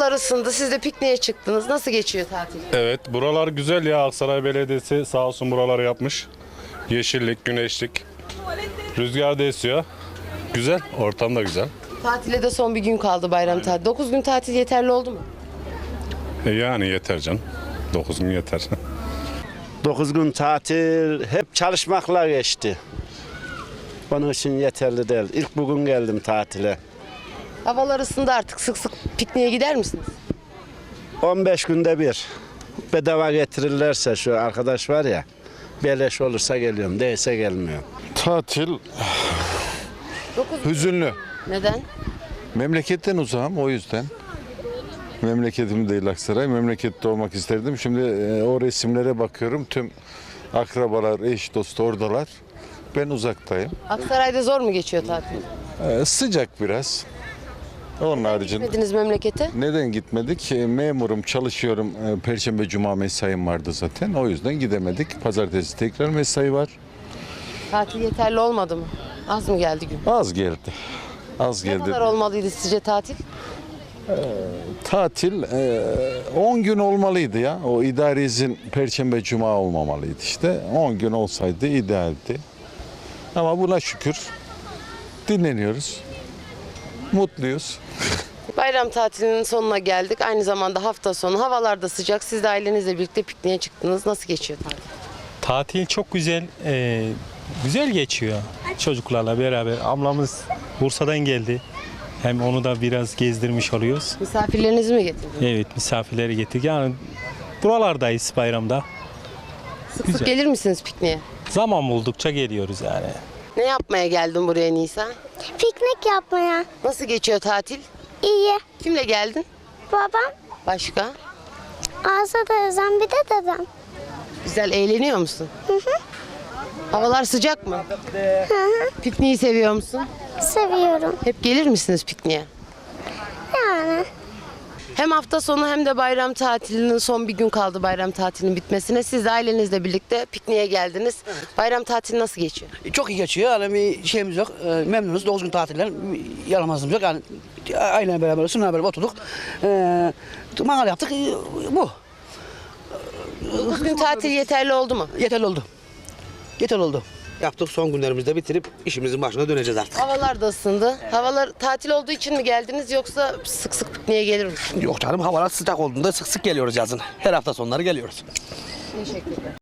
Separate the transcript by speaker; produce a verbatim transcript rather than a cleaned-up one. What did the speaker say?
Speaker 1: Havalar ısındı. Siz de pikniğe çıktınız. Nasıl geçiyor tatil?
Speaker 2: Evet, buralar güzel ya. Aksaray Belediyesi sağ olsun buraları yapmış. Yeşillik, güneşlik. Rüzgar da esiyor. Güzel, ortam da güzel.
Speaker 1: Tatile de son bir gün kaldı, bayram tatili. dokuz gün tatil yeterli oldu mu?
Speaker 2: E yani yeter canım. dokuz gün yeter.
Speaker 3: dokuz gün tatil hep çalışmakla geçti. Onun için yeterli değil. İlk bugün geldim tatile.
Speaker 1: Havalar ısındı artık. Sık sık pikniğe gider misiniz?
Speaker 3: on beş günde bir. Bedava getirirlerse şu arkadaş var ya. Beleş olursa geliyorum. Değilse gelmiyorum.
Speaker 4: Tatil
Speaker 1: dokuz gün.
Speaker 4: hüzünlü.
Speaker 1: Neden?
Speaker 4: Memleketten uzağım o yüzden. Memleketim değil Aksaray. Memlekette olmak isterdim. Şimdi e, o resimlere bakıyorum. Tüm akrabalar, eş, dost oradalar. Ben uzaktayım.
Speaker 1: Aksaray'da zor mu geçiyor tatil?
Speaker 4: E, sıcak biraz. Onun haricinde.
Speaker 1: Gitmediniz memlekete?
Speaker 4: Neden gitmedik? E, Memurum, çalışıyorum. E, Perşembe, Cuma mesaim vardı zaten. O yüzden gidemedik. Pazartesi tekrar mesai var.
Speaker 1: Tatil yeterli olmadı mı? Az mı geldi gün?
Speaker 4: Az geldi. Az
Speaker 1: Ne
Speaker 4: geldi.
Speaker 1: kadar olmalıydı sizce tatil?
Speaker 4: Tatil e, on gün olmalıydı ya. O idari izin Perşembe, Cuma olmamalıydı işte. on gün olsaydı idealdi. Ama buna şükür dinleniyoruz. Mutluyuz.
Speaker 1: Bayram tatilinin sonuna geldik. Aynı zamanda hafta sonu. Havalar da sıcak. Siz de ailenizle birlikte pikniğe çıktınız. Nasıl geçiyor tatil?
Speaker 5: Tatil çok güzel, e, güzel geçiyor. Çocuklarla beraber. Ablamız Bursa'dan geldi. Hem onu da biraz gezdirmiş oluyoruz.
Speaker 1: Misafirlerinizi mi getirdiniz?
Speaker 5: Evet, misafirleri getirdik. Yani buralardayız bayramda.
Speaker 1: Sık
Speaker 5: Güzel.
Speaker 1: sık gelir misiniz pikniğe?
Speaker 5: Zaman buldukça geliyoruz yani.
Speaker 1: Ne yapmaya geldin buraya Nisa?
Speaker 6: Piknik yapmaya.
Speaker 1: Nasıl geçiyor tatil?
Speaker 6: İyi.
Speaker 1: Kimle geldin?
Speaker 6: Babam,
Speaker 1: Başka?
Speaker 6: Azza teyzem, bir de dedem.
Speaker 1: Güzel eğleniyor musun? Hı hı. Havalar sıcak mı? Hı hı. Pikniği seviyor musun?
Speaker 6: Seviyorum.
Speaker 1: Hep gelir misiniz pikniğe?
Speaker 6: Yani.
Speaker 1: Hem hafta sonu hem de bayram tatilinin son bir gün kaldı bayram tatilinin bitmesine. Siz de ailenizle birlikte pikniğe geldiniz. Bayram tatili nasıl geçiyor?
Speaker 7: Çok iyi geçiyor. Yani bir şeyimiz yok. E, memnunuz. dokuz gün tatilden yaramazlığımız yok. Yani aileyle beraber, sınırla beraber oturduk. E, mangal yaptık. E, bu.
Speaker 1: dokuz gün tatil yeterli oldu mu?
Speaker 7: Yeterli oldu. Yeterli oldu. Yaptık, son günlerimizde bitirip işimizin başına döneceğiz artık.
Speaker 1: Havalar da ısındı. Havalar tatil olduğu için mi geldiniz yoksa sık sık pikniğe gelir misiniz?
Speaker 7: Yok canım, havalar sıcak olduğunda sık sık geliyoruz yazın. Her hafta sonları geliyoruz.
Speaker 1: Teşekkürler.